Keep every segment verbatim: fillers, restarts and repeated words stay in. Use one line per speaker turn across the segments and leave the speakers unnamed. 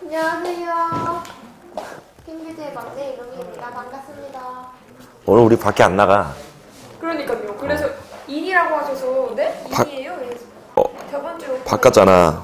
안녕하세요. 핑계대의 막내 이름입니다. 반갑습니다.
오늘 우리 밖에 안 나가.
그러니까요. 그래서 어. 인이라고 하셔서 네?
바...
인이에요?
어,
저번 주로
바꿨잖아.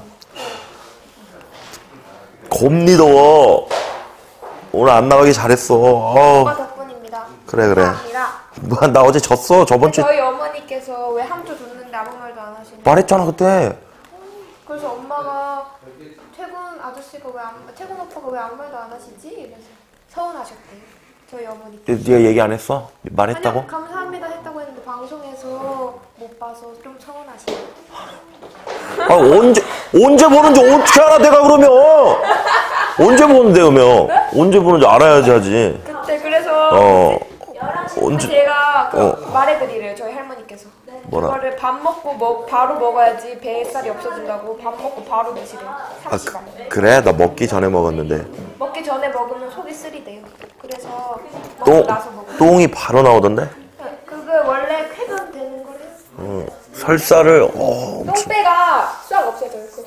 곰니 더워. 오늘 안 나가기 잘했어.
엄마 덕분입니다.
그래 그래.
감사합니다.
뭐, 나 어제 졌어 저번 주.
저희 어머니께서 왜 함조 줬는데 아무 말도 안 하시는.
말했잖아 그때.
그래서 엄마가 태군 아저씨가 왜 안, 태군 오빠가 왜 아무 말도 안 하시지? 이래서 서운하셨대요. 저희 어머니께.
네가 얘기 안 했어? 말했다고?
아니요, 감사합니다 했다고 했는데 방송에서 못 봐서 좀 서운하시네요.
아 언제 언제 보는지 어떻게 알아 내가 그러면? 언제 보는데 그러면? 네? 언제 보는지 알아야지 하지.
그때 그래서
어 언제
제가 그
어.
말해드리래요 저희 할머니께서.
뭐라?
그거를 밥 먹고 먹 바로 먹어야지 뱃살이 없어진다고. 밥 먹고 바로 드시래요.
아,
삼 시간.
그, 그래? 나 먹기 전에 먹었는데.
먹기 전에 먹으면 속이 쓰리대요. 그래서 먹고
똥,
나서 먹으면.
똥이 바로 나오던데?
그게 원래 쾌변되는 거래요.
어, 설사를 어,
똥배가 싹 없어져요. 그거.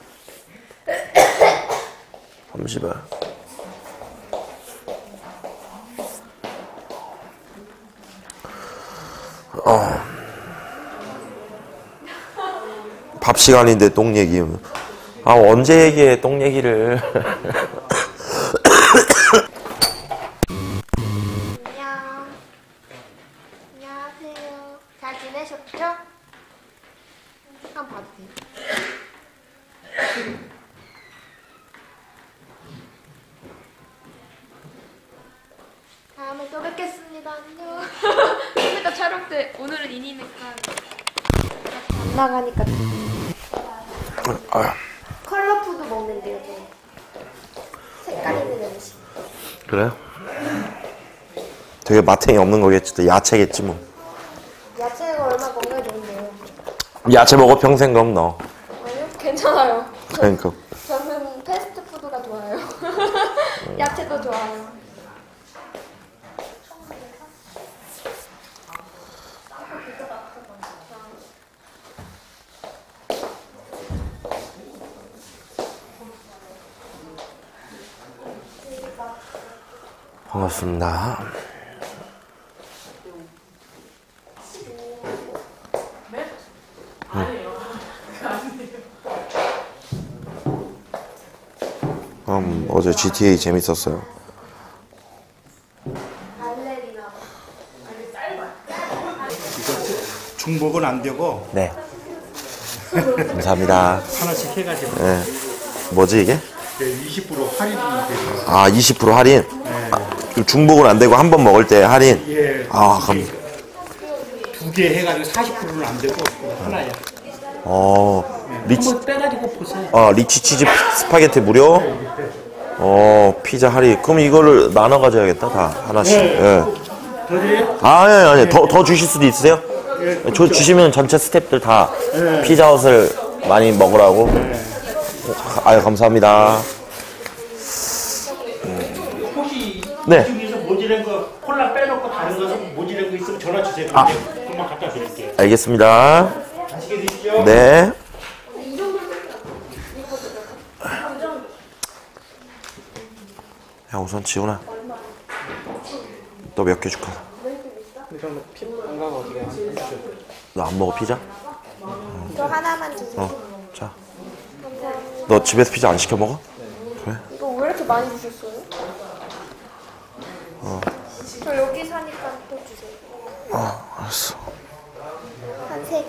잠시만. 어. 밥 시간인데 똥 얘기. 아 언제 얘기해 똥 얘기를.
안녕. 안녕하세요. 잘 지내셨죠? 한번 봐도 돼요? 다음에 또 뵙겠습니다. 안녕. 그러니까 촬영 때 오늘은 인이니까 안 나가니까.
아,
컬러푸드 먹는데요, 저. 색깔 있는 음식.
그래? 되게 마탱이 없는 거겠지. 또 야채겠지 뭐.
야채가 얼마 먹어야 좋은데요?
야채 먹어 평생 그럼 너.
아니요, 괜찮아요.
그러니까.
저는 패스트푸드가 좋아요. 야채도 좋아요.
반갑습니다. 음, 어제 지티에이 재밌었어요.
중복은 안 되고
네. 감사합니다.
하나씩 해가지고
네. 뭐지 이게?
이십 퍼센트 할인이 되죠.
아 이십 퍼센트 할인?
네.
아, 중복은 안 되고 한 번 먹을 때 할인?
예.
아 그럼.
두 개 해가지고 사십 퍼센트는 안 되고 하나야.
어. 리치.
한번 빼가지고 보세요.
아 리치 치즈 스파게티 무료? 어 피자 할인. 그럼 이거를 나눠 가져야겠다 다 하나씩.
네.
예.
더 드려요?
아니 아니 아니 더, 더 주실 수도 있으세요?
예.
저 주시면 전체 스태프들 다
네.
피자헛을 많이 먹으라고.
네.
아유 감사합니다.
혹시
네.
중에서 모자란 거 콜라 빼놓고 다른 거 모자란 거 있으면 전화 주세요.
아.
금방 갖다 드릴게요.
알겠습니다.
맛있게 드십시오.
네. 야 우선 지훈아 너 몇 개 줄까? 너 안 먹어 피자?
저 하나만 주세요.
어. 자. 너 집에서 피자 안 시켜 먹어? 그래?
이거 왜 이렇게 많이 주셨어요?
어.
저 여기 사니까 또 주세요.
어 알았어.
한 세 개.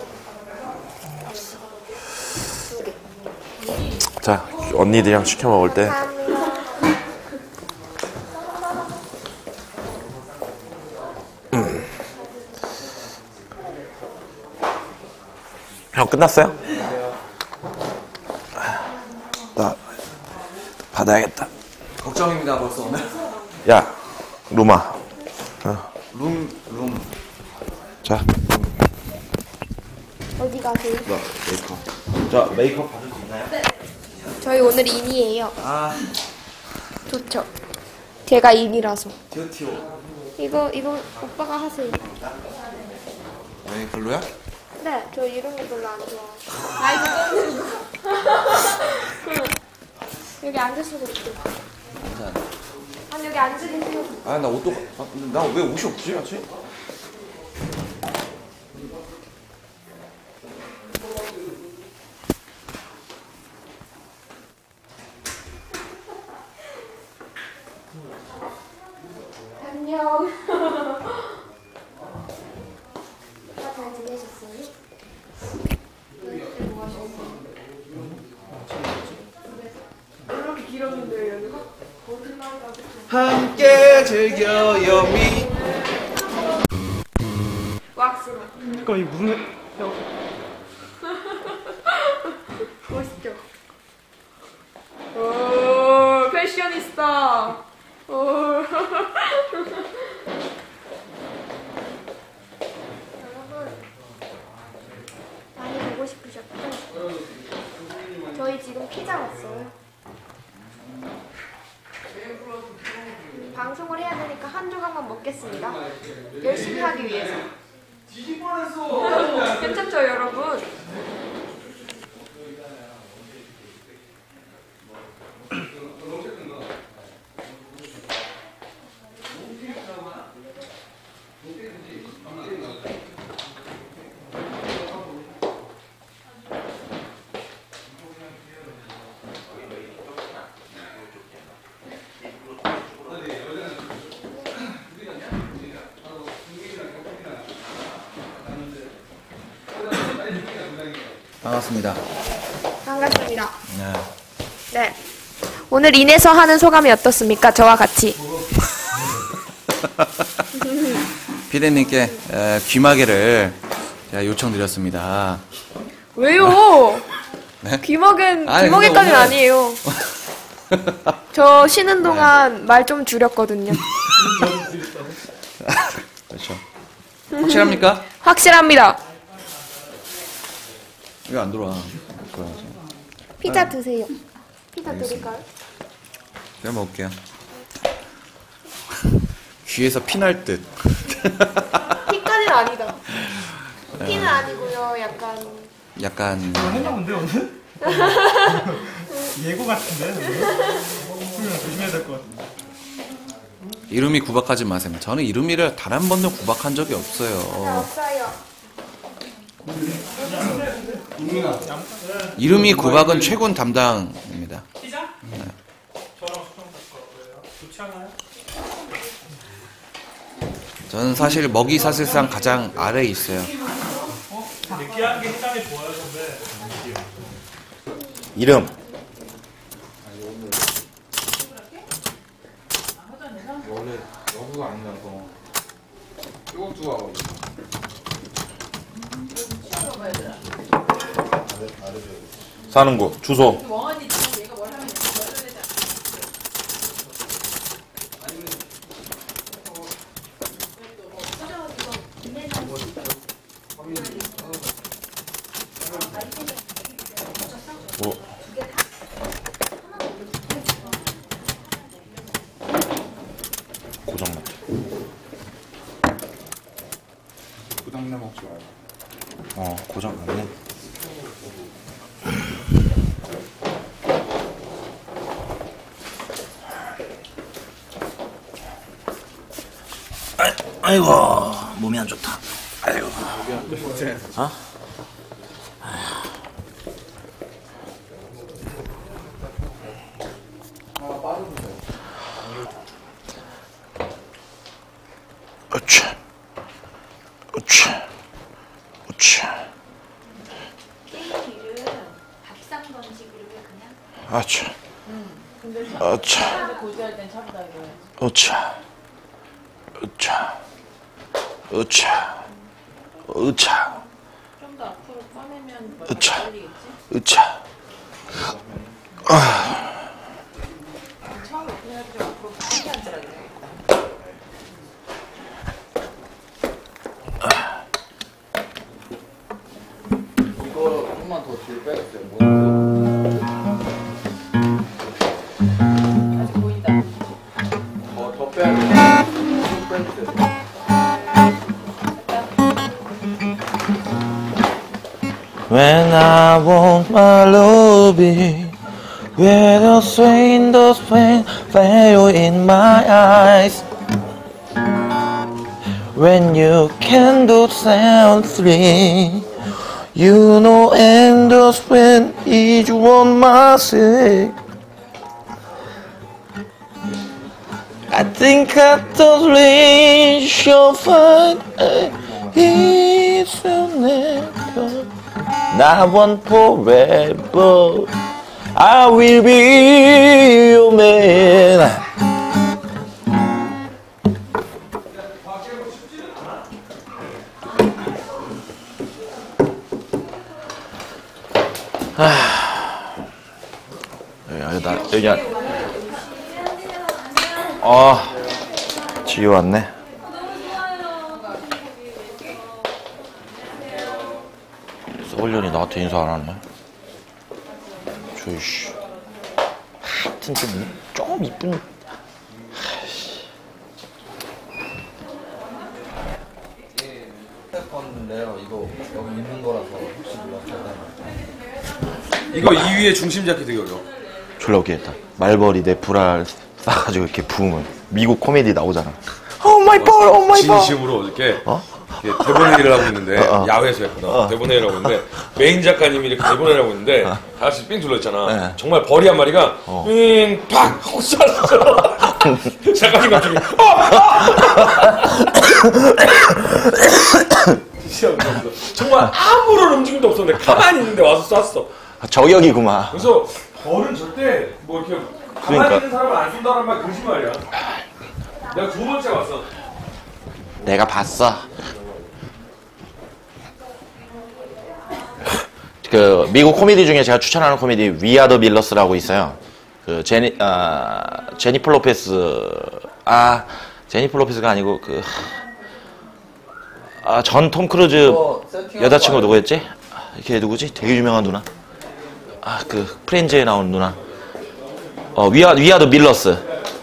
두 개.
자 언니들이랑 시켜 먹을 때
감사합니다.
형 끝났어요? 나 받아야겠다.
걱정입니다 벌써 오늘.
야 루마. 어.
룸 룸.
자.
어디 가세요?
나 메이크업. 자 메이크업 받을 수 있나요?
저희 오늘 인이에요.
아
좋죠. 제가 인이라서.
티오티오.
이거 이거 오빠가 하세요.
왜 별로야?
네, 저 이런 거 별로 안 좋아. 아이고. 여기 앉으시면 돼요.
괜찮아.
아니 여기 앉으 계세요.
아, 나 옷도, 아, 나 왜 옷이 없지, 아직?
안녕. 잘 지내셨어요? 뭐 하셨어요? 이렇게 길었는데 여기가? 거짓말이다.
함께 즐겨요, 미.
왁스로.
잠깐 이 무슨 애-
멋있죠? 오, 패셔니스타. 오. 여러분, 많이 보고 싶으셨죠? 저희 지금 피자 왔어요. 음, 방송을 해야 되니까 한 조각만 먹겠습니다. 열심히 하기 위해서. 괜찮죠, 여러분?
반갑습니다.
반갑습니다.
네.
네. 오늘 인해서 하는 소감이 어떻습니까? 저와 같이.
피디님께 에, 귀마개를 제가 요청드렸습니다.
왜요?
네?
귀먹은
아니,
귀먹이까지는
근데 오늘-
아니에요. 저 쉬는 동안 말 좀 줄였거든요.
그렇죠. 확실합니까?
확실합니다.
이거 안 들어와. 들어와야지.
피자 드세요. 피자 드릴까요?
내가 먹을게요. 귀에서 피날 듯.
피까지는 아니다. 피는 아니고요. 약간
약간
했나 본데 오늘? 예고 같은데 오늘? 오늘 조심해야 될 것 같은데.
이름이 구박하지 마세요. 저는 이름이를 단 한 번도 구박한 적이 없어요.
없어요.
이름이 구박은 최군 담당입니다.
피자? 네. 저랑 수정 바꿔 왜요? 좋지 않아요?
저는 사실 먹이 사슬상 가장 아래에 있어요.
느끼한 게 해장에 좋아요, 선배.
이름.
원래 여부가 아니라서 이거 두고
사는 곳, 주소. 뭐. 고장났다.
부담내 먹지 말고.
어, 고장났네. 아이, 아이고, 몸이 안 좋다. 아이고. 어? 으쌰, 으쌰, 으쌰.
게임기를 밥상 번식으로 그냥
아차, 아차,
고지할 땐 차보다 이거
으쌰, 으쌰, 으쌰, 으쌰,
좀 더 앞으로 꺼내면 뭐
으차.
걸리겠지?
으쌰.
처음에 그래가지고 좀 앞으로 빨리 앉으라 그래야겠다.
이거 조금만 더 뒤로 빼주세요. 뭐
아직 보인다.
더, 더 빼야 돼요. 좀 빼주세요.
When I want my love, When the swing, the swing, fire in my eyes. When you can do sound three, you know, and the swing is one my sick. I think I totally shall find it's never. Not one forever. I will be your man. 아, 여기 나 여기 안. 아, 지우 왔네. 서울년이 나한테 인사 안 하네. 저이씨. 하여튼 좀, 좀 이쁜.
건데요. 이거 여기 있는 거라서 혹시 몰랐어요.
이거 이 위에 중심 잡기 되게 어려워.
졸라 웃기겠다. 말벌이 내 불알 싸가지고 이렇게 부으면 미국 코미디 나오잖아. 오 마이 볼, 오 마이 볼.
진심으로 어저께
어?
이렇게 대본 회의를 하고 있는데
어, 어.
야외에서 했구나.
어.
대본 회의를 하고 있는데 메인 작가님이 이렇게 대본 회의를 하고 있는데 다 같이 삥 둘러있잖아.
네.
정말 벌이 한 마리가
어.
윙팍 하고 쐈어. 작가님 갑자기 진짜 웃겼어. 정말 아무런 움직임도 없었는데 가만히 있는데 와서 쐈어.
저격이구만.
그래서 벌은 절대 뭐 이렇게 가만히
그러니까.
있는 사람을 안 쏜다는 말 거짓말이야. 내가 두 번째 왔어.
내가 봤어. 그 미국 코미디 중에 제가 추천하는 코미디 위아더 밀러스라고 있어요. 그 제니 아 제니퍼 로페스 아 제니퍼 로페스가 아니고 그 아 전 톰 크루즈 여자친구 누구였지? 걔 누구지? 되게 유명한 누나. 아 그 프렌즈에 나온 누나. 어 위아 위아더 밀러스.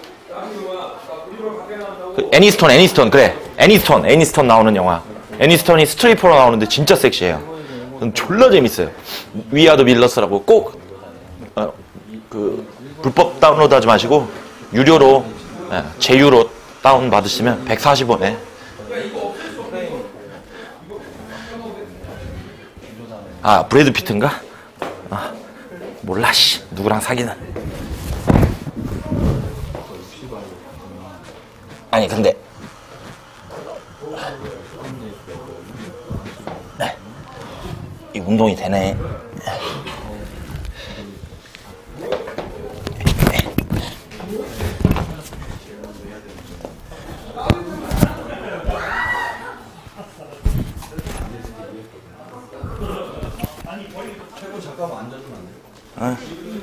그 애니스톤 애니스톤 그래 애니스톤 애니스톤 나오는 영화. 애니스톤이 스트리퍼로 나오는데 진짜 섹시해요. 졸라 재밌어요. 위아더 밀러스라고 꼭 어, 그 불법 다운로드 하지 마시고 유료로 예, 제휴로 다운 받으시면 백사십 원에 아 브래드 피트인가? 아 몰라 씨 누구랑 사귀는. 아니 근데 네. 이 운동이 되네. 어?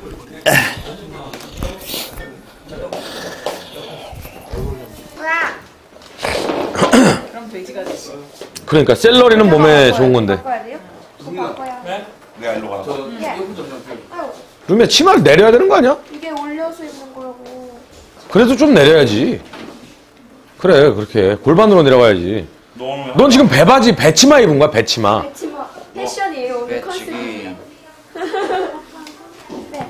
그럼 돼지가 되지.
그러니까 샐러리는 몸에 좋은 건데.
바꿔야 돼요? 그거 바꿔야 돼.
내가 일로 가.
예. 아유,
그러면 치마를 내려야 되는 거 아니야?
이게 올려서 입는 거라고.
그래도 좀 내려야지. 그래 그렇게 골반으로 내려가야지. 넌 지금 배바지 배치마 입은 거야 배치마.
배치마 패션이에요 오늘 컨셉이.
배치기.
네.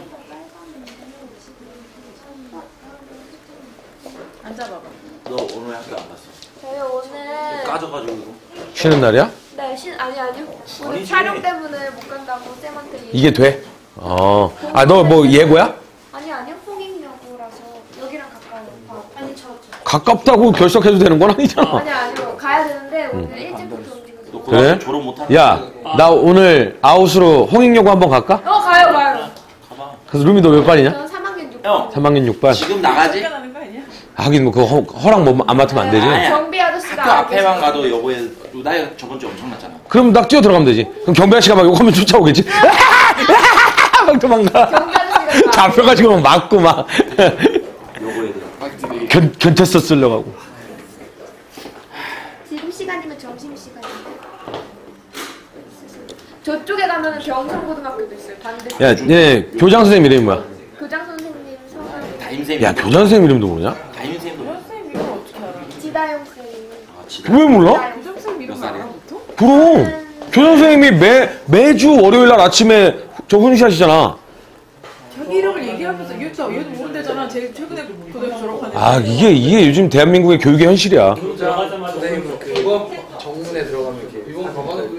앉아봐봐.
너 오늘 학교 안 갔어?
저희 오늘
까져가지고.
쉬는 날이야?
네, 신 아니 아니요. 오늘
아니지.
촬영 때문에 못 간다고 쌤한테 얘기.
이게 돼? 어. 아 너 뭐 예고야?
아니 아니요. 홍익여고라서 여기랑 가까워요. 아, 아니 저 저.
가깝다고 결석해도 되는 건 아니잖아.
아니 아니요. 가야 되는데 오늘 일찍부터 움직여서.
그래?
졸업 못하는.
야, 나 오늘 아웃으로 홍익여고 한번 갈까?
어 가요 가요.
그래서 루미 너 몇 반이냐?
저는 삼 학년 육 반.
형
삼 학년 육 반.
지금 나가지?
쫓겨나는 거 아니야?
하긴 뭐 그거 허, 허락 뭐 안 맡으면 안 되지.
아니야.
경비 아저씨가
학교
알고
앞에만
계세요.
가도 여보에 나 저번 주에 엄청났잖아.
그럼 딱 뛰어 들어가면 되지. 그럼 경비 아저씨가 막 욕하면 쫓아오겠지. 막 도망가.
경비 아저씨가 다
잡혀가지고 막 맞고 막
여보에 들어.
견, 견태서 쓰려고 하고.
지금 시간이면 점심 시간인데. 저쪽에 가면은 경성고등학교도 있어요. 반대.
야, 얘 교장 선생님 이름이 뭐야?
교장 선생님 성함이
담임쌤.
야, 교장 선생님 이름도 모르냐?
담임쌤도 몰라.
선생님 이름 어떻게 알아?
지다영 쌤.
아, 진짜.
왜 몰라?
지다영 쌤.
교장선생님 이름
몇 살이야?
알아 보통?
그럼 교장 선생님이 매 매주 월요일 날 아침에 저 훈시하시잖아.
자기 이름을 얘기 때잖아. 제일 최근에 고등학교 졸업한 애.
아 이게 이게 요즘 대한민국의 교육의 현실이야.
선생님 그거 정문에 들어가면 이렇게 이건 가만히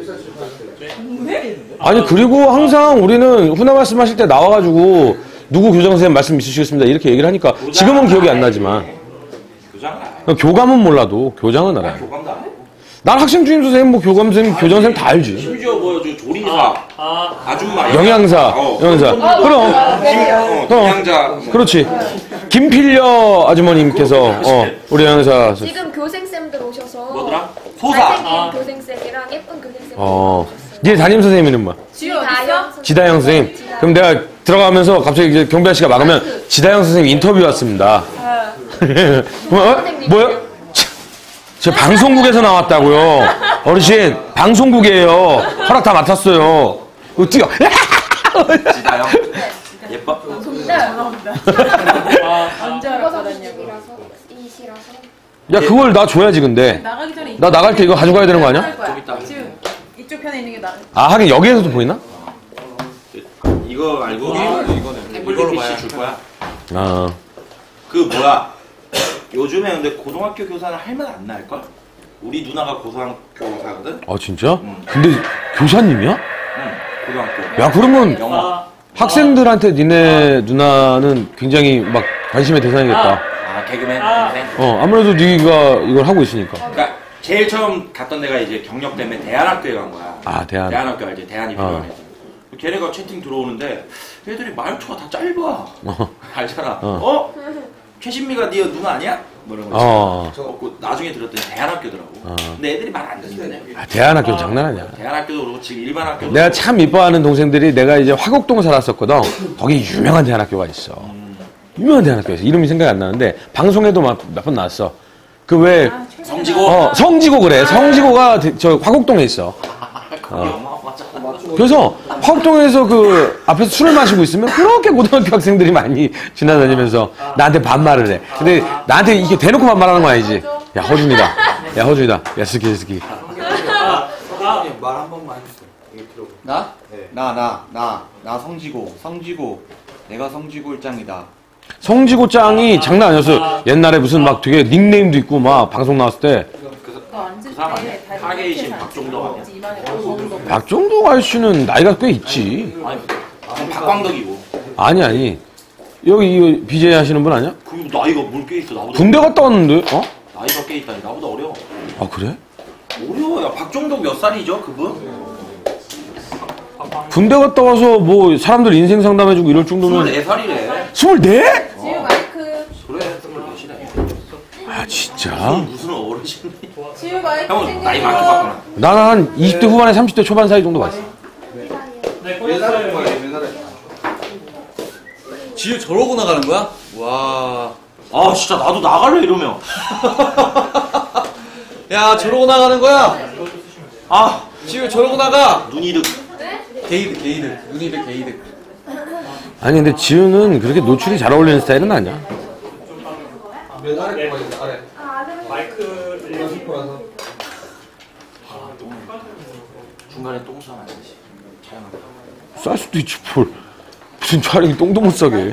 아니 그리고 항상 우리는 훈화 말씀하실 때 나와가지고 누구 교장 선생님 말씀 있으시겠습니다 이렇게 얘기를 하니까 지금은 기억이 안 나지만
교장은 안 해.
교감은 몰라도 교장은 알아요.
교감도 안 해.
난 학생 주임 선생님, 뭐 교감 선생님, 교장 선생님 다 알지.
심지어 뭐 저 조리사, 아줌마,
영양사,
어.
영양사. 그럼
어, 김양자.
그렇지. 김필려 아주머님께서 어 우리 영양사.
지금 교생쌤들 오셔서
뭐더라? 소사.
잘생긴 교생쌤이랑 예쁜 교생쌤
어. 네 담임 선생님 이름 뭐야?
지효 어딨어?
지다영 선생님. 그럼 내가 들어가면서 갑자기 이제 경비 아저씨가 막으면 지다영 선생님 인터뷰 왔습니다. 뭐? 뭐야? 저 방송국에서 나왔다고요. 어르신 방송국이에요. 허락 다 맡았어요. 이거 뛰어.
지다영. 예뻐?
전화온다. 언제 알았거든요.
이라서 이시라서
야 그걸 나 줘야지 근데.
나가기 전에
나 나갈 때 이거 가져가야 되는 거 아니야?
좀 이따. 지금 이쪽 편에 있는 게 나.
아 하긴 여기에서도 보이나?
이거 알고 태블릿 피씨 줄 거야.
아
그 뭐야? 요즘에 근데 고등학교 교사는 할 말 안 나을걸? 우리 누나가 고등학교 교사거든?
아 진짜? 근데 교사님이야?
응, 고등학교.
야 그러면
영어.
학생들한테 니네 누나는 굉장히 막 관심의 대상이겠다.
아, 개그맨? 동생?
어 아무래도 네가 이걸 하고 있으니까.
그러니까 제일 처음 갔던 데가 이제 경력 때문에 대한학교에 간 거야.
아 대한.
대한학교 알지? 대한이
어.
필요해서. 걔네가 채팅 들어오는데 애들이 말투가 다 짧아.
어.
알잖아.
어.
어? 최신미가 네 누나 아니야? 뭐 이런 거.
어.
어. 나중에 들었더니 대한학교더라고.
어.
근데 애들이 말 안 듣는데.
아, 대한학교 는 장난 아니야.
대한학교도 그렇고 지금 일반 학교도
내가 참 이뻐하는 동생들이 내가 이제 화곡동 살았었거든. 거기 유명한 대한학교가 있어. 유명한 대한학교가 있어. 이름이 생각이 안 나는데 방송에도 몇 번 나왔어. 그 왜
성지고.
어, 성지고 그래. 성지고가 대- 저 화곡동에 있어.
그게 어마어마하잖아.
그래서 화곡동에서 그 앞에서 술을 마시고 있으면 그렇게 고등학교 학생들이 많이 지나다니면서 나한테 반말을 해. 근데 나한테 이게 대놓고 반말하는 거 아니지? 야 허준이다. 야 허준이다. 야 스키 스키.
말 한 번만 해주세요. 이거 들어보. 나? 네. 나, 나, 나, 나 성지고, 성지고, 내가 성지고 일장이다.
성지고 짱이 장난 아니었어. 옛날에 무슨 막 되게 닉네임도 있고 막 방송 나왔을 때
너 앉을
그 사람 아니야?
때 다리
타겟이신
이렇게
박종덕 아니야?
앉지, 이만해 가지고.
박종동 아저씨는 나이가 꽤 있지.
아니, 그건 박광덕이고.
아니 아니. 여기 이 비제이 하시는 분 아니야?
그 나이가 뭘 꽤 있어 나보다.
군대 갔다 왔는데? 어?
나이가 꽤 있다니 나보다 어려.
아 그래?
어려워. 야 박종덕 몇 살이죠 그분?
군대 갔다 와서 뭐 사람들 인생 상담해주고 이럴 정도면
스물네 살이래.
스물네?
지효 마이크.
그래 스물넷이래.
아 진짜?
무슨 어르신이.
지효 마이크
형은 나이 많게 봤구나.
나는 한 이십 대 후반에 삼십 대 초반 사이 정도 봤어.
맨날 거야, 맨날.
지효 저러고 나가는 거야? 와.
아 진짜 나도 나갈래 이러면.
야 저러고 나가는 거야?
아
지효 저러고 나가.
눈이득.
게이득 게이득. 눈이득 게이득.
아니 근데 지우는 그렇게 노출이 잘 어울리는 스타일은 아니야.
맨 아래 거야, 아래.
중간에 똥 싸면 안 되지. 촬영하다.
쌀 수도 있지 뭘. 무슨 촬영이 똥도 못 싸게.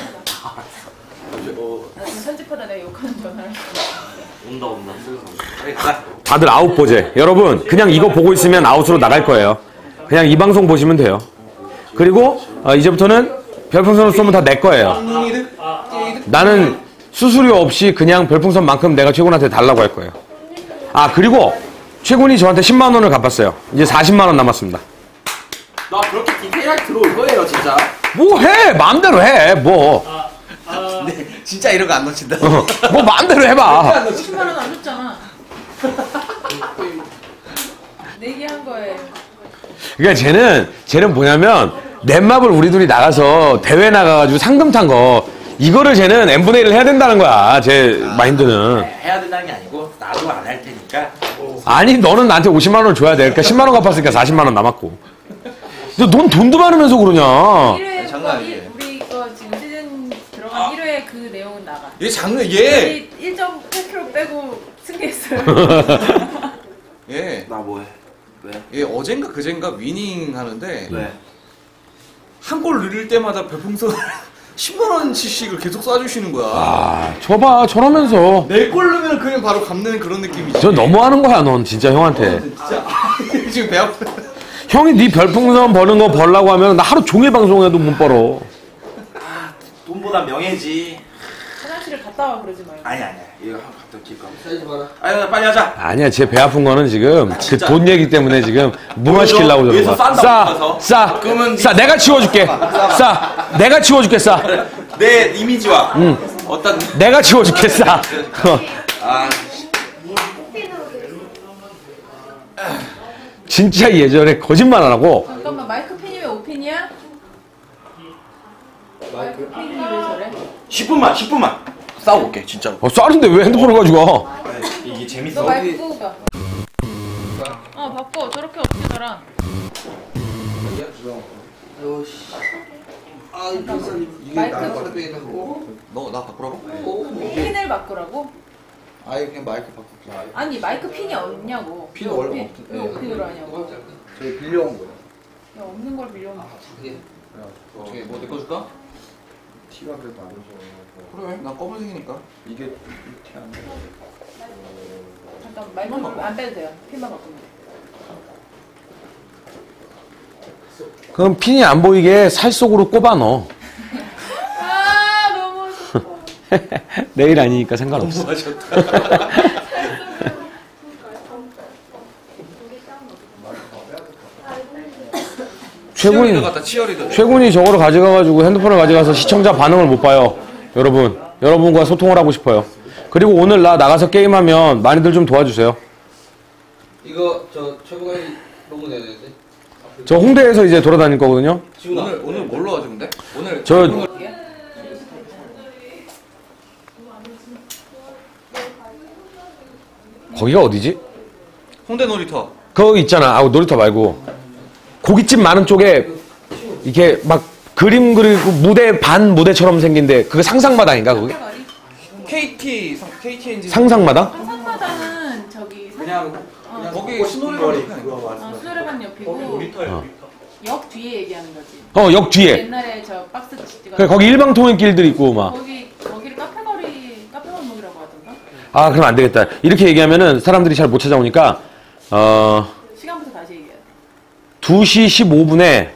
어
편집하다 내가 욕하는 전화를.
온다 온다. 빨리 가.
다들 아웃 보제. 여러분 그냥 이거 보고 있으면 아웃으로 나갈 거예요. 그냥 이 방송 보시면 돼요. 그리고 어, 이제부터는 별풍선을 쏘면 다 내 거예요. 나는 수수료 없이 그냥 별풍선만큼 내가 최군한테 달라고 할 거예요. 아 그리고 최군이 저한테 십만 원을 갚았어요. 이제 사십만 원 남았습니다.
나 그렇게 디테일하게 들어올 거예요 진짜.
뭐 해 마음대로 해 뭐.
근데 진짜 이런 거 안 놓친다.
어, 뭐 마음대로 해봐.
십만 원 안 줬잖아. 내기한 거에.
그러니까 쟤는 쟤는 뭐냐면 넷마블 우리 둘이 나가서 대회 나가가지고 상금 탄 거 이거를 쟤는 엠분의 일을 해야 된다는 거야. 제 마인드는.
해야 된다는 게 아니고 나도 안 할 테니까.
아니 너는 나한테 오십만 원을 줘야 돼. 그러니까 십만 원 갚았으니까 사십만 원 남았고. 너 넌 돈도 많으면서 그러냐.
일 회
장난
거,
아니에요.
일- 우리 거 지금 시즌 들어간 일 회 그 내용은 나가.
얘 장르 얘.
우리 일 점 팔 킬로그램 빼고 승리했어요.
얘.
나 뭐해? 왜?
얘 어젠가 그젠가 위닝 하는데
왜?
한 골 넣을 때마다 별풍선
십만 원치씩을 계속 쏴주시는 거야.
아, 저봐, 저러면서.
내 꼴 넣으면 그냥 바로 갚는 그런 느낌이지.
저 너무하는 거야, 넌 진짜 형한테.
진짜 지금 배 아파.
형이 네 별풍선 버는 거 벌라고 하면 나 하루 종일 방송해도 못 벌어.
돈보다 명예지.
화장실을 갔다 와 그러지 말고.
아니 아니야. 이거 한번 갖다 줄까? 사지 마라. 아니 빨리 하자.
아니야, 제 배 아픈 거는 지금 그 돈 얘기 때문에 지금 무마시키려고 저런
위에서
거야.
싼다고
싸,
해서.
싸,
그러면
싸, 내가 치워줄게. 싸, 내가 치워줄게, 싸.
내 이미지와 어떤
내가 치워줄게, 싸. 어.
아
진짜 예전에 거짓말 안 하고
잠깐만 마이크 핀이 왜 오 핀이야? 마이크 핀이 왜 저래?
십 분만 십 분만 싸우고 올게 진짜로.
어, 싸는데 왜 핸드폰을 가지고 가?
이게
너
재밌어.
마이크 끄고 가. 어 바꿔. 저렇게 어떻게 달아? 마이크
너 나 바꾸라고?
핀을 바꾸라고?
아예 그냥 마이크 바꿀게.
아니 마이크 핀이 없냐고.
핀 원래
왜
없-
왜
예.
핀으로 하냐고.
저희 빌려온 거예요.
야 없는 걸 빌려온 거.
어떻게 뭐 내 거 줄까? 티가 그래도 안 좋아. 그래, 난 검은색이니까. 이게 티안 나.
잠깐 마이크 안 빼도 돼요. 핀만 바꾸면 돼.
그럼 핀이 안 보이게 살 속으로 꼽아 넣어.
아 너무 좋다.
내일 아니니까 상관없어. 최군,
갖다 치어리더.
최군이 저거를 가져가가지고 핸드폰을 가져가서 시청자 반응을 못 봐요. 여러분, 여러분과 소통을 하고 싶어요. 그리고 오늘 나 나가서 게임하면 많이들 좀 도와주세요.
이거 저 최고가 로고 내야 되는데.
저 홍대에서 이제 돌아다닐 거거든요.
오늘 오늘 뭘로 하죠 근데? 오늘
저 거기가 어디지?
홍대 놀이터.
그거 있잖아. 아, 놀이터 말고 고깃집 많은 쪽에 이렇게 막 그림 그리고 무대 반 무대처럼 생긴데 그게 상상마당인가 그게?
케이티 상- 케이티 엔진.
상상마당?
상상마당은 저기
그냥
어,
그냥 거기 신호리만 옆에 아니야?
어, 수레반 옆이고 역 뒤에 얘기하는 거지.
어, 역 뒤에.
옛날에 저 박스 찍어.
그래, 거기 일방통행길들 있고 막.
거기 거기를 카페거리 카페골목이라고 하던가.
아, 그럼 안 되겠다. 이렇게 얘기하면은 사람들이 잘 못 찾아오니까 어
시간부터 다시 얘기해.
두 시 십오 분에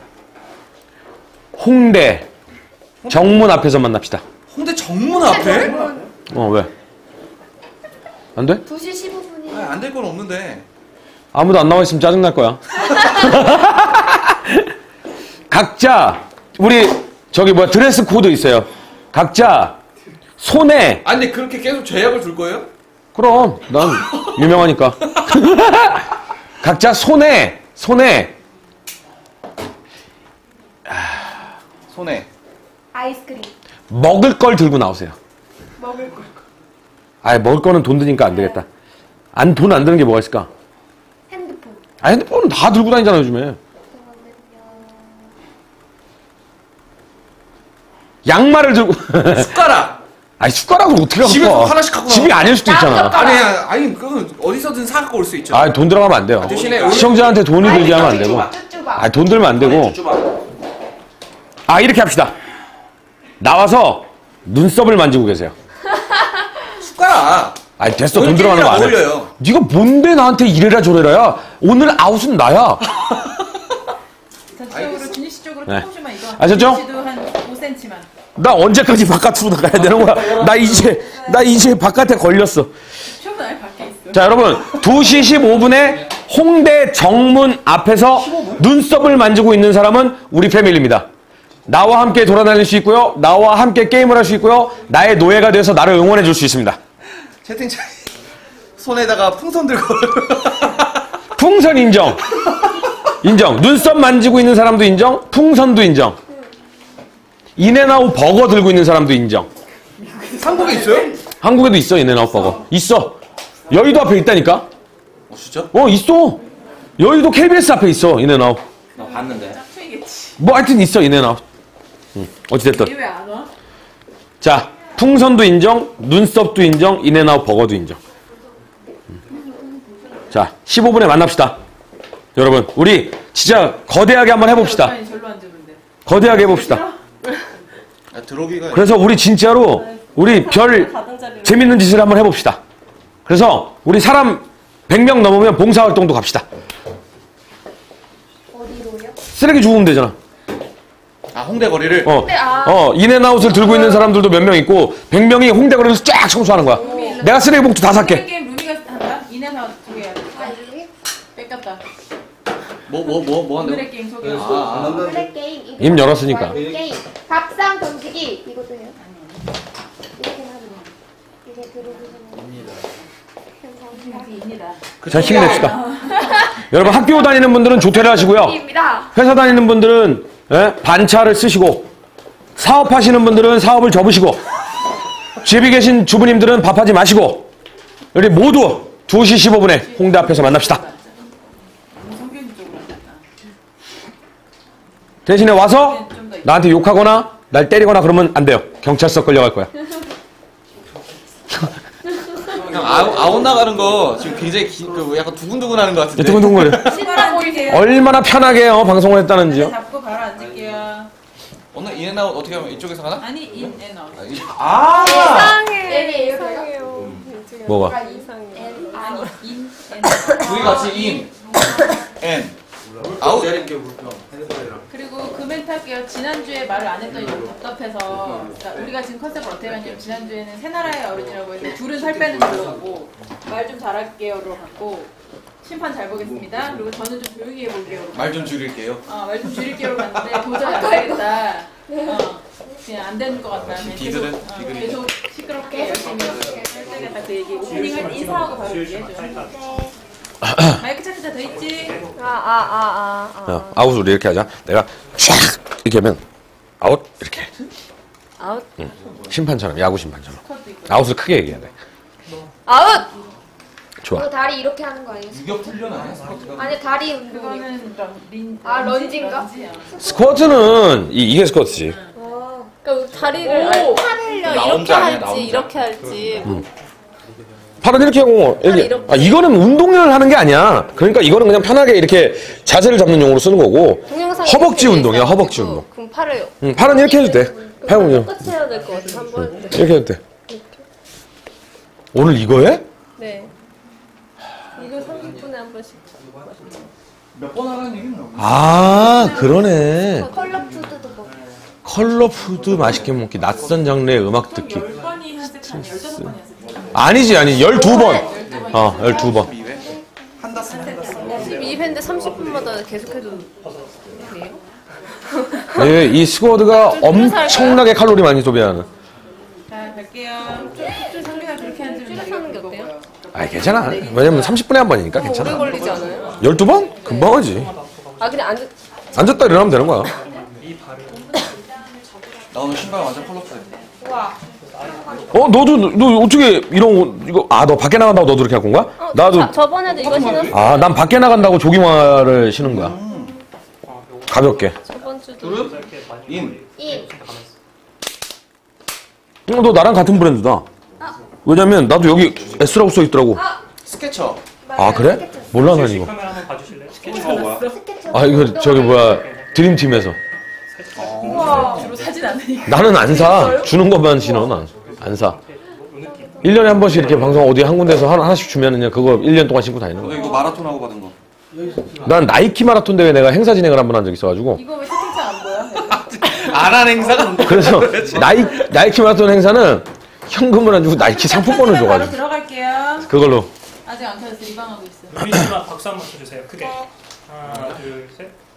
홍대 정문 앞에서 만납시다.
홍대 정문 앞에?
어, 왜? 안 돼?
두 시 십오 분이
아니 안 될 건 없는데.
아무도 안 나와 있으면 짜증날 거야. 각자 우리 저기 뭐야 드레스 코드 있어요. 각자 손에
아니 근데 그렇게 계속 제약을 둘 거예요?
그럼 난 유명하니까. 각자 손에 손에
손에.
아이스크림
먹을 걸 들고 나오세요.
먹을 거
아, 먹을 거는 돈 드니까 안 되겠다. 안 돈 안 드는 게 뭐가 있을까?
핸드폰
아, 핸드폰은 다 들고 다니잖아 요즘에. 양말을 들고.
숟가락.
아니 숟가락을 어떻게 갖고
집에서
와?
하나씩 갖고
집이
나와.
아닐 수도 있잖아.
아니 아니 그건 어디서든 사 갖고 올 수 있죠.
아, 돈 들어가면 안 돼요.
대신에
시청자한테 돈이 들게 하면 안 되고.
쭈쭈바
아, 돈 들면 안 되고. 아, 이렇게 합시다. 나와서 눈썹을 만지고 계세요.
숟가락.
아니, 됐어. 돈
오늘
들어가는 거 안 해.
게임이랑 어울려요.
네가 뭔데 나한테 이래라 저래라야. 오늘 아웃은 나야.
전체적으로 준희 씨 쪽으로
네.
조금씩만 이거.
아셨죠?
준희 씨도 한 오 센티미터만.
나 언제까지 바깥으로 나가야 되는 거야? 나 이제, 나 이제 바깥에 걸렸어.
최고는 아예 밖에 있어.
자, 여러분. 두 시 십오 분에 홍대 정문 앞에서 눈썹을 만지고 있는 사람은 우리 패밀리입니다. 나와 함께 돌아다닐 수 있고요. 나와 함께 게임을 할 수 있고요. 나의 노예가 돼서 나를 응원해 줄 수 있습니다.
채팅창 손에다가 풍선 들고.
풍선 인정. 인정. 눈썹 만지고 있는 사람도 인정. 풍선도 인정. 인앤아웃 버거 들고 있는 사람도 인정.
한국에 있어요?
한국에도 있어, 인앤아웃 버거. 있어. 여의도 앞에 있다니까?
어 진짜?
어, 있어. 여의도 케이비에스 앞에 있어, 인앤아웃.
나 봤는데.
짝퉁이겠지.
뭐 하여튼 있어, 인앤아웃. 응. 어찌됐든.
얘 왜 안 와?
자, 풍선도 인정, 눈썹도 인정, 인앤아웃 버거도 인정. 자, 십오 분에 만납시다. 여러분, 우리 진짜 거대하게 한번 해봅시다.
아니 절로 앉으면 돼.
거대하게 해봅시다.
아, 들어오기가.
그래서 우리 진짜로 우리 별 재밌는 짓을 한번 해봅시다. 그래서 우리 사람 백 명 넘으면 봉사활동도 갑시다.
어디로요?
쓰레기 주우면 되잖아.
아, 홍대 거리를.
어,
아.
어, 인앤아웃을 들고 있는 사람들도 몇 명 있고 백 명이 홍대 거리를 쫙 청소하는 거야. 내가 쓰레기 봉투 다 살게.
게임 루미가 한다. 이내사 두 개야.
아, 여기?
뺏겼다.
뭐, 뭐, 뭐, 뭐 한다고?
오늘의 게임 소개.
아,
블랙 게임. 이거
임 열었으니까.
게임. 밥상 던지기. 이것도 해요? 이렇게 하면 이게 들어오시면
입니다.
자, 힘냅시다. 여러분 학교 다니는 분들은 조퇴를 하시고요.
입니다.
회사 다니는 분들은 예? 반차를 쓰시고 사업하시는 분들은 사업을 접으시고 집에 계신 주부님들은 밥하지 마시고 우리 모두 두 시 십오 분에 홍대 앞에서 만납시다. 대신에 와서 나한테 욕하거나 날 때리거나 그러면 안 돼요. 경찰서 끌려갈 거야.
형, 아웃, 아웃 나가는 거 지금 굉장히 기, 그 약간 두근두근 하는 것 같은데.
두근두근거려.
신발 보이세요?
얼마나 편하게 어, 방송을 했다는지요.
잡고 바로 앉을게요.
오늘 인앤아웃 어떻게 하면 이쪽에서 가나?
아니 인앤아웃.
아, 이- 아!
N이 이상해요.
뭐가?
아니 인앤아웃.
둘이 같이 인, 앤, 아웃.
그리고 그 멘트 할게요. 지난주에 말을 안 했더니 너무 답답해서. 그러니까 우리가 지금 컨셉을 어떻게 하냐면 지난주에는 새 나라의 어른이라고 했는데 둘은 살 빼는 걸로 하고 말 좀 잘할게요로 갖고 심판 잘 보겠습니다. 그리고 저는 좀 조용히 해볼게요.
말 좀 줄일게요.
어, 말 좀 줄일게요로 갔는데 도저히 안 되겠다. 어, 그냥 안 되는 것 같다. 그냥 계속,
비글은?
어,
비글이.
계속 시끄럽게 열심히 할 그 얘기. 오프닝 할 때 인사하고 바로 얘기해줘. 마이크 차트자 더 있지?
아, 아, 아, 아.
어, 아웃 우리 이렇게 하자. 내가 촥 이렇게 하면 아웃 이렇게.
아웃.
응. 심판처럼 야구 심판처럼. 아웃을 크게 얘기해야 돼.
아웃!
좋아.
이거 다리 이렇게 하는 거 아니에요?
유격 훈련 아니야? 스쿼트가?
아니, 다리 운동이요.
그거는 런, 린,
아, 런지인가?
런지야.
스쿼트는 이, 이게 스쿼트지.
그러니까 다리를 팔을
나
이렇게
혼자 아니야, 나
할지
혼자.
이렇게 할지
팔은 이렇게 하고 이렇게.
이렇게.
아 이거는 운동을 하는 게 아니야. 그러니까 이거는 그냥 편하게 이렇게 자세를 잡는 용으로 쓰는 거고.
동영상에
허벅지
이렇게
운동이야,
있어가지고
허벅지 운동.
그럼 팔을
응, 팔은 이렇게 해도 돼. 팔 운동
똑같이 해야 될 것 같아 한번
이렇게 해도 돼. 오늘 이거 해?
네 이거 삼십 분에 한 번씩
몇 번 하라는 얘기는 없나?
아 그러네.
컬러 푸드도 먹고.
컬러 푸드 맛있게 먹기, 낯선 장르의 음악 듣기.
열 번이 연습 아니 열다섯 번이 연습.
아니지 아니 열두 번. 어 열두 번.
이 회? 한다스 한다스.
십이 회인데 삼십 분마다 계속해도 돼요?
예, 이 스쿼드가 엄청나게 칼로리 많이 소비하는.
자, 갈게요. 좀 상대가 그렇게 하는 줄
하는 게 어때요?
아 괜찮아. 왜냐면 삼십 분에 한 번이니까
오래
괜찮아.
걸리지 않아요?
열두 번? 금방 하지.
아 그냥 앉아
앉았다 일어나면 되는 거야.
나 오늘 신발 완전 컬러풀해.
어 너도 너 어떻게 이런 거 이거 아 너 밖에 나간다고 너도 이렇게 갖고 온 거야?
어,
나도
자, 저번에도 이거 신었어
아 난 밖에 나간다고 조깅화를 신은 거야. 가볍게.
저번 주도
인.
이.
어, 너 나랑 같은 브랜드다. 왜냐면 나도 여기 S라고 써 있더라고.
스케쳐.
아 그래? 몰라 난 이거.
카메라 한번 봐주실래요?
스케쳐가 뭐야?
아 이거 저기 뭐야 드림팀에서.
주로 사진 않으니까.
나는 안 사. 주는 것만 신어 난. 안 사. 일 년에 한 번씩 이렇게 방송 어디 한 군데서 하나, 하나씩 주면은 그냥 그거 일 년 동안 신고 다니는
너
거야.
이거 마라톤 하고 받은 거.
난 나이키 마라톤 대회 내가 행사 진행을 한 번 한 적 있어가지고.
이거 왜 채팅창 안 보여?
안 한 행사가 없는데.
그래서 나이, 나이키 마라톤 행사는 현금을 안 주고 나이키 상품권을
바로
줘가지고.
들어갈게요.
그걸로.
아직 안 켜졌어. 리방하고 있어.
루미 씨가 박수 한번 쳐주세요. 크게. 하나, 둘, 셋.